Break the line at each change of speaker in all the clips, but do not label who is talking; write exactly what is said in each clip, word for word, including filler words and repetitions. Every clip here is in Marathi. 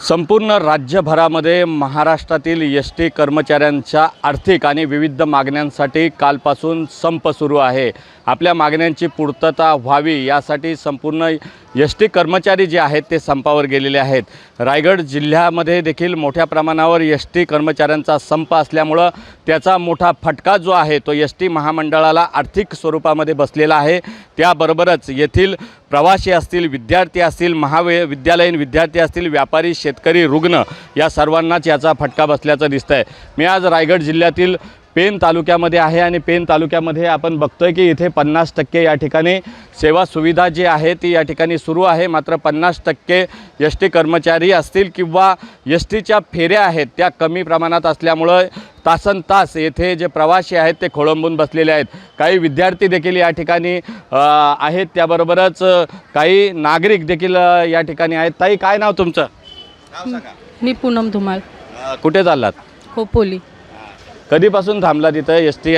संपूर्ण राज्यभरामध्ये महाराष्ट्रातील एस टी कर्मचाऱ्यांच्या आर्थिक आणि विविध मागण्यांसाठी कालपासून संप सुरू आहे। आपल्या मागण्यांची पूर्तता व्हावी यासाठी संपूर्ण एस टी कर्मचारी जे आहेत ते संपावर गेलेले आहेत। रायगड जिल्ह्यामध्ये देखील मोठ्या प्रमाणावर एस टी कर्मचाऱ्यांचा संप असल्यामुळं त्याचा मोठा फटका जो आहे तो एस टी महामंडळाला आर्थिक स्वरूपामध्ये बसलेला आहे। त्याबरोबरच येथील प्रवासी असतील, विद्यार्थी असतील, महाविद्यालयीन विद्यार्थी असतील, व्यापारी, शेतकरी, रुग्ण या सर्वांनाच याचा फटका बसल्याचं दिसतंय। मी आज रायगड जिल्ह्यातील पेन तालुक्यामध्ये आहे आणि पेन तालुक्यामध्ये आपण बघतोय की इथे पन्नास टक्के या ठिकाणी सेवा सुविधा जी आहे ती या ठिकाणी सुरू आहे। मात्र पन्नास टक्के एस टी कर्मचारी असतील किंवा एस टीच्या फेऱ्या आहेत त्या कमी प्रमाणात असल्यामुळं तासन तास येथे जे प्रवासी आहेत ते खोळंबून बसलेले आहेत। काही विद्यार्थी देखील या ठिकाणी आहेत, त्याबरोबरच काही नागरिक देखील या ठिकाणी आहेत। ताई, काय नाव तुमचं? नाव सांगा।
मी पूनम धुमाल।
कुठे चाललात?
खोपोली।
कधीपासून थांबला तिथं एस टी?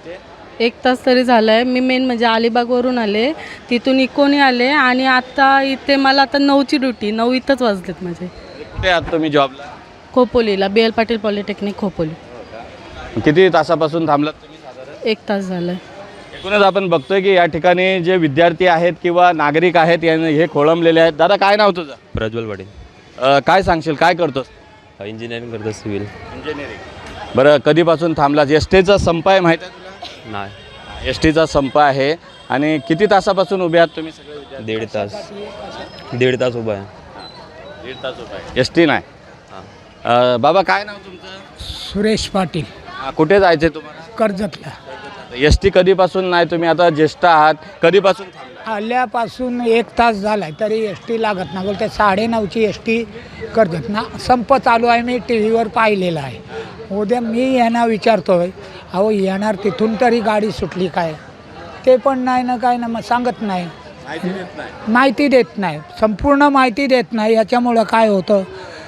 एक तास तरी झाला आहे। मी मेन म्हणजे अलिबागवरून आले, तिथून इकोनी आले आणि आता इथे मला आता नऊची ड्युटी, नऊ इथंच वाजलेत माझे।
कुठे आहात तुम्ही जॉबला?
खोपोलीला, B L Patil polytechnic Khopoli.
किती तासापासून थांबलात तुम्ही? साधारण
एक तास झाला आहे।
एकूणच आपण बघतोय की या ठिकाणी जे विद्यार्थी आहेत किंवा नागरिक आहेत यांनी हे खोळंबलेले आहेत। दादा, काय नाव तुझं?
प्रज्वल पाटील।
काय सांगशील, काय करतोस?
इंजिनिअरिंग करतो, सिव्हिल
इंजिनिअरिंग। बरं, कधीपासून थांबलास? एस टीचा संप आहे, माहीत आहे तुला?
नाही।
एस टीचा संप आहे आणि किती तासापासून उभे आहात तुम्ही सगळे विद्यार्थी?
दीड तास दीड तास उभा आहे।
दीड तास उभा आहे, एस टी नाही। हां, बाबा काय नाव तुमचं?
सुरेश पाटील।
कुठे जायचं आहे तुम्हाला?
कर्जतला।
एस टी कधीपासून नाही? तुम्ही आता ज्येष्ठ आहात, कधीपासून थांबला?
आल्यापासून एक तास झाला आहे तरी एस टी लागत नाही। बोलते साडेनऊची एस टी कर्जत ना संप चालू आहे। मी टी व्हीवर पाहिलेलं आहे। उद्या मी यांना विचारतो आहे, अहो येणार तिथून तरी गाडी सुटली काय? ते पण नाही ना, काय ना, मग सांगत नाही, माहिती देत नाही, संपूर्ण माहिती देत नाही। याच्यामुळं काय होतं,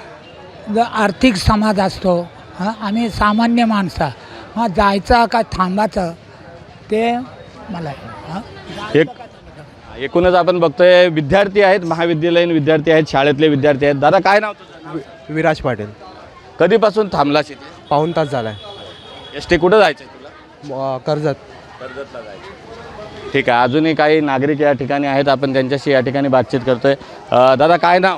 जर आर्थिक समाज असतो, हां, आम्ही सामान्य माणसा, हां, जायचं का थांबायचं ते मला हां
एक एकूणच आपण बघतोय विद्यार्थी आहेत, महाविद्यालयीन विद्यार्थी आहेत, शाळेतले विद्यार्थी आहेत। दादा, काय नाव तुझं?
विराज पाटील।
कधीपासून थांबलास इथे?
पाऊण तास झाला आहे।
एस टी कुठं जायचं आहे तुला?
कर्जत।
कर्जतला जायचं। ठीक आहे, अजूनही काही नागरिक या ठिकाणी आहेत, आपण त्यांच्याशी या ठिकाणी बातचीत करतोय। दादा, काय नाव?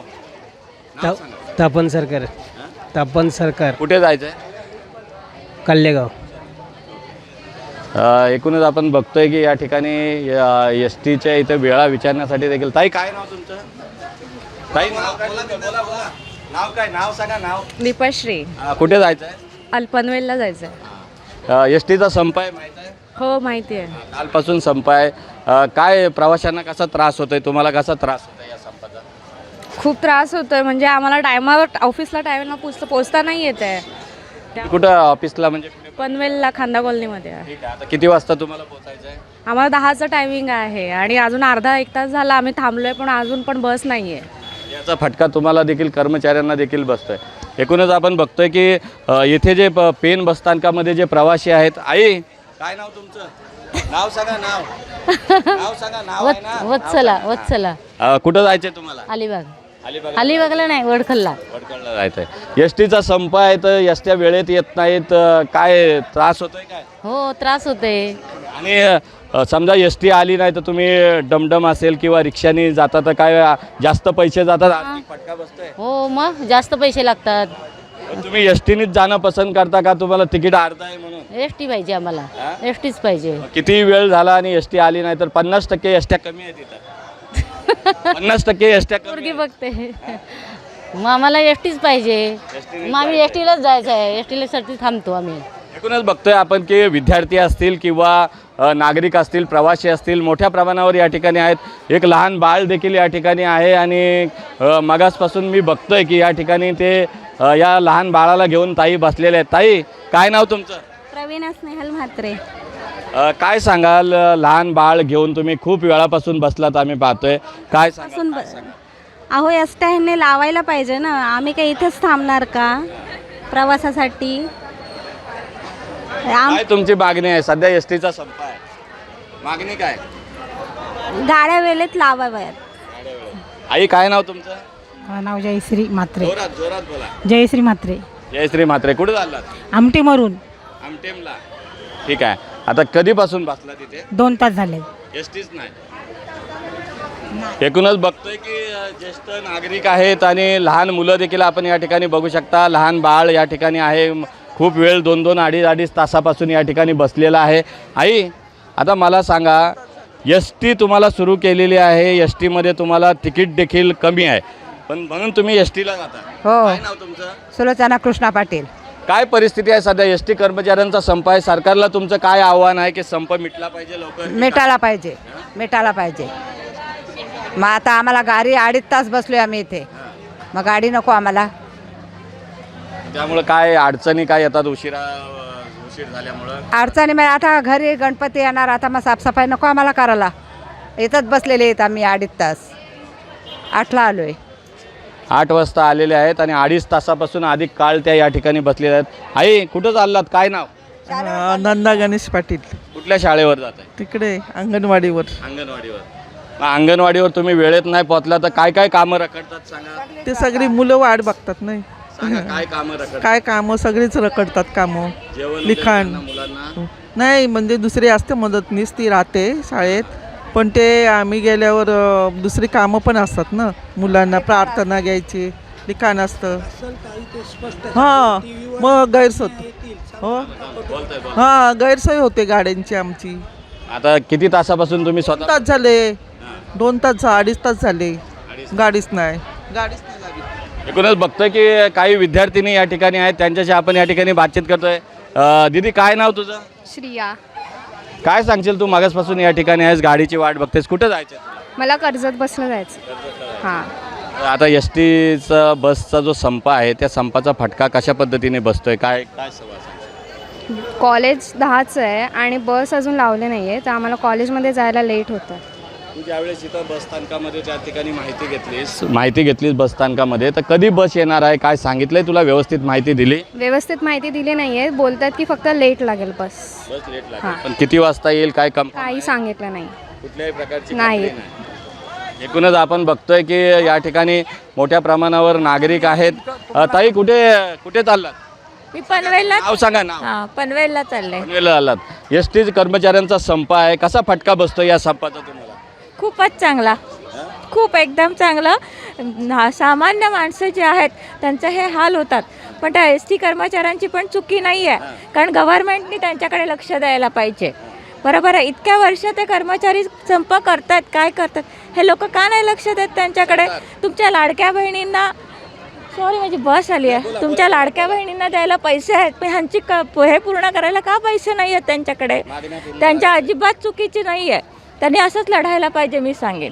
तापन सरकार। तापन सरकार।
कुठे जायचं आहे?
कल्लेगाव।
एकूणच आपण बघतोय की या ठिकाणी एस टीच्या इथे वेळा विचारण्यासाठी देखील। ताई, काय नाव तुमचं? ताई, नाव काय? बोला बोला, नाव काय? नाव सांगा, नाव?
दीपाश्री।
कुठे जायचं आहे?
अल्पनवेलला जायचं आहे।
एस टीचा संप आहे, माहीत आहे?
हो, माहिती आहे।
कालपासून संप आहे। काय प्रवाशांना कसा त्रास होतोय, तुम्हाला कसा त्रास होतोय या संपाचा?
खूप त्रास होतोय, म्हणजे आम्हाला टायमावर ऑफिसला टायमाला पोचता पोचता नाही येत आहे।
कुठं ऑफिसला? म्हणजे
पनवेलला, खांदा कॉलनीमध्ये आहे।
ठीक आहे, आता किती वाजता तुम्हाला पोहोचायचं आहे?
आम्हाला दहाचं टायमिंग आहे आणि अजून अर्धा एक तास झाला आम्ही थांबलोय, पण अजून पण बस नाही आहे।
याचा फटका तुम्हाला देखील, कर्मचाऱ्यांना देखील बसतोय। एकूणच आपण बघतोय की येथे जे पेन बसस्थानकामध्ये जे प्रवासी आहेत। आई, काय नाव तुमचं? नाव सांगा, नाव नाव सांगा। नाव आहे ना?
वत्सला। वत्सला।
कुठं जायचंय तुम्हाला?
अलिबाग।
अलिबाग।
अलिबागला नाही, वडखलला।
वडखलला जायचंय। एस टीचा संप आहे तर एस ट्या वेळेत येत नाहीत, काय त्रास होतोय काय?
हो, त्रास होते।
आणि समजा एस टी आली नाही तर तुम्ही डमडम असेल किंवा रिक्षाने जाता तर काय जास्त पैसे जातात, आर्थिक फटका बसतोय?
हो, मग जास्त पैसे लागतात।
तुम्ही एस टीनेच जाणं पसंत करता का? तुम्हाला तिकीट अर्धा आहे म्हणून?
एस टी पाहिजे आम्हाला, एस टीच पाहिजे।
किती वेळ झाला आणि एस टी आली नाही तर पन्नास टक्के एस ट्या कमी आहेत इथं। पन्नास टक्के एस ट्या
पोरगी बघते, मग आम्हाला एस टीच पाहिजे। मग आम्ही एस टीलाच जायचं आहे, एस टीला साठी थांबतो आम्ही।
एकूणच बघतोय आपण की विद्यार्थी असतील किंवा नागरिक असतील, प्रवासी असतील, मोठ्या प्रमाणावर या ठिकाणी आहेत। एक लहान बाळ देखील या ठिकाणी आहे आणि मगासपासून मी बघतोय की या ठिकाणी ते या लहान बाळाला घेऊन ताई बसलेले आहेत। ताई, काय नाव तुमचं?
प्रवीणा स्नेहल म्हात्रे।
काय सांगाल, लहान बाळ घेऊन तुम्ही खूप वेळापासून बसलात, आम्ही पाहतोय, काय सांगाल?
अहो, एस टी ह्यांनी लावायला पाहिजे ना, आम्ही काही इथेच थांबणार का प्रवासासाठी?
काय तुमची मागणी आहे? सध्या एस टीचा संप आहे, मागणी काय?
गाड्या वेळेत लावाव्यात।
आई, काय नाव तुमचं?
माझं नाव जयश्री म्हात्रे.
जोरात जोरात बोला.
जयश्री म्हात्रे.
जयश्री म्हात्रे. कुठे चाललात?
आमटेमरून.
आमटेमला. ठीक आहे. आता कधीपासून बसला तिथे?
दोन तास झाले.
एस टीच नाही. एकूणच बघतोय की अ, ज्येष्ठ नागरिक आहेत आणि लहान मुलं देखील आपण या ठिकाणी बघू शकता. लहान बाळ या ठिकाणी आहे. म- खूप वेळ दोन दोन अडीच अडीच तासापासून या ठिकाणी बसलेला आहे. आई, आता मला सांगा, एस टी तुम्हाला सुरू केलेली आहे. एस टीमध्ये तुम्हाला तिकीट देखील कमी आहे, पण म्हणून तुम्ही एस टीला जाता.
हो.
काय नाव तुमचं?
सुलोचना कृष्णा पाटील.
काय परिस्थिती आहे सध्या? एस टी कर्मचाऱ्यांचा संप आहे. सरकारला तुमचं काय आव्हान आहे की संप मिटला पाहिजे लवकर?
मिटायला पाहिजे, मिटायला पाहिजे. मग आता आम्हाला गाडी अडीच तास बसलोय आम्ही इथे, मग गाडी नको आम्हाला.
त्यामुळे काय अडचणी काय येतात उशिरा उशीर झाल्यामुळं?
अडचणी मग आता घरी गणपती येणार, आता मग साफसफाई नको आम्हाला करायला. इथंच बसलेले आहेत आम्ही अडीच तास. आठला आलोय.
आठ वाजता आलेले आहेत आणि अडीच तासापासून अधिक काळ त्या या ठिकाणी बसलेल्या आहेत. आई, कुठं चाललात? काय नाव?
नंदा गणेश पाटील.
कुठल्या शाळेवर जात आहे?
तिकडे अंगणवाडीवर.
अंगणवाडीवर. मग अंगणवाडीवर तुम्ही वेळेत नाही पोहोचला तर काय काय कामं रखडतात सांगा?
ते सगळी मुलं वाट बघतात नाही.
सांगा काय कामं रखडतात?
काय कामं सगळीच रखडतात कामं.
जेवण वगैरे
लिखाण.
त्यांना मुलांना?
नाही म्हणजे दुसरी असते मदतनीस, ती राहते शाळेत, पण ते आम्ही गेल्यावर अ, दुसरी कामं पण असतात ना. मुलांना प्रार्थना घ्यायची, लिखाण असतं. हां, मग गैरसोय हो.
बोलताय बोल.
हां, गैरसोय होते गाड्यांची आमची.
आता किती तासापासून तुम्ही
दोन
स्वतः?
तास झाले. दोन तास झा- अडीच तास झाले. गाडीच नाही गाडीच नाही लागली.
एकूणच बघतोय की काही विद्यार्थिनी या ठिकाणी आहेत, त्यांच्याशी आपण या ठिकाणी बातचीत करतोय. अ, दीदी, काय नाव तुझं?
श्रिया.
काय सांगशील? तू मागासपासून या ठिकाणी आहेस, गाडीची वाट बघतेस, कुठं जायचं तुला?
मला कर्जत बसलं जायचं. हां.
आता एस टीचा बसचा जो संप आहे त्या संपाचा फटका कशा पद्धतीने बसतोय? काय काय सवाल?
कॉलेज दहाचं आहे आणि बस अजून लावले नाही आहे, तर आम्हाला कॉलेजमध्ये जायला लेट होतं.
तू ज्यावेळेस इथं बसस्थानकामध्ये त्या ठिकाणी माहिती घेतलीस माहिती घेतलीस बसस्थानकामध्ये, तर कधी बस येणार आहे काय सांगितलंय तुला? व्यवस्थित माहिती दिली?
व्यवस्थित माहिती दिली नाही आहे. बोलतात की फक्त लेट लागेल बस.
बस लेट
हां.
लागेल, पण किती वाजता येईल काय कम
काही सांगितलं नाही.
कुठल्याही प्रकारची
नाही.
खात्री नाही. एकूणच आपण बघतोय की या ठिकाणी मोठ्या प्रमाणावर नागरिक आहेत. अ, ताई, कुठे कुठे चाललात?
मी पनवेलला.
नाव सांगा. नाव?
हां, पनवेलला चाललंय.
पनवेलला आलात. एस टी कर्मचाऱ्यांचा संप आहे, कसा फटका बसतो या संपाचा तुम्हाला?
खूपच चांगला, खूप एकदम चांगलं. ना- सामान्य माणसं जे आहेत त्यांचे हे हाल होतात, पण त्या एस टी कर्मचाऱ्यांची पण चुकी नाही आहे, कारण गव्हर्नमेंटनी त्यांच्याकडे लक्ष द्यायला पाहिजे. बरोबर आहे. इतक्या वर्ष ते कर्मचारी संप करतात, काय करतात हे लोक का नाही लक्ष देत त्यांच्याकडे? तुमच्या लाडक्या बहिणींना, सॉरी माझी बस आली आहे, तुमच्या लाडक्या बहिणींना द्यायला पैसे आहेत, पण ह्यांची क हे पूर्ण करायला का पैसे नाही आहेत त्यांच्याकडे? त्यांच्या अजिबात चुकीची नाही आहे. त्यांनी असंच लढायला पाहिजे, मी सांगेन.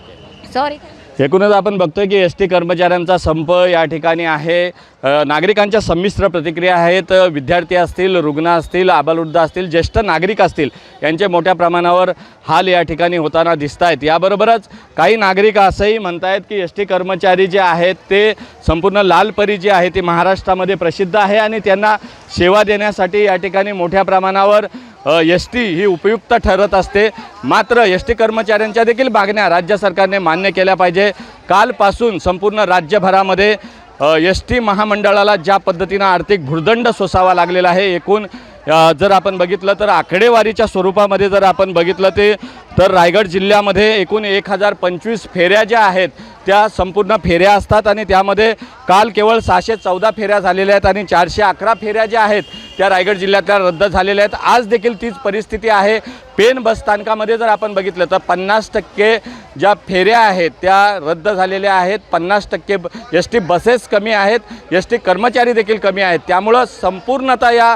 सॉरी.
एकूणच आपण बघतोय की एस टी कर्मचाऱ्यांचा संप या ठिकाणी आहे. अ, नागरिकांच्या संमिश्र प्रतिक्रिया आहेत. विद्यार्थी असतील, रुग्ण असतील, आबालवृद्ध असतील, ज्येष्ठ नागरिक असतील, यांचे मोठ्या प्रमाणावर हाल या ठिकाणी होताना दिसत आहेत. याबरोबरच काही नागरिक असंही म्हणत आहेत की एस टी कर्मचारी जे आहेत ते संपूर्ण लालपरी जी आहे ती महाराष्ट्रामध्ये प्रसिद्ध आहे आणि त्यांना सेवा देण्यासाठी या ठिकाणी मोठ्या प्रमाणावर एस टी ही उपयुक्त ठरत असते. मात्र एस टी कर्मचाऱ्यांच्या देखील मागण्या राज्य सरकारने मान्य केल्या पाहिजे. कालपासून संपूर्ण राज्यभरामध्ये एस टी महामंडळाला ज्या पद्धतीनं आर्थिक भुर्दंड सोसावा लागलेला आहे, एकूण अ, जर आपण बघितलं तर आकडेवारीच्या स्वरूपामध्ये जर आपण बघितलं ते तर रायगड जिल्ह्यामध्ये एकूण एक हजार पंचवीस फेऱ्या ज्या आहेत त्या संपूर्ण फेऱ्या असतात आणि त्यामध्ये काल केवळ सहाशे चौदा फेऱ्या झालेल्या आहेत आणि चारशे अकरा फेऱ्या ज्या आहेत त्या रायगड जिल्ह्यातल्या रद्द झालेल्या आहेत. आज देखील तीच परिस्थिती आहे. पेन बसस्थानकामध्ये जर आपण बघितलं तर पन्नास टक्के ज्या फेऱ्या आहेत त्या रद्द झालेल्या आहेत. पन्नास टक्के एस टी बसेस कमी आहेत, एस टी कर्मचारी देखील कमी आहेत. त्यामुळं संपूर्णतः या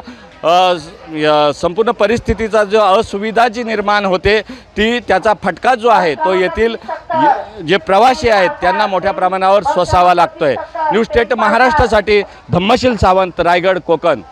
संपूर्ण परिस्थितीचा जो असुविधा जी निर्माण होते ती त्याचा फटका जो आहे तो येथील जे प्रवासी आहेत त्यांना मोठ्या प्रमाणावर सोसावा लागतोय. न्यूज स्टेट महाराष्ट्रासाठी धम्मशील सावंत, रायगड, कोकण.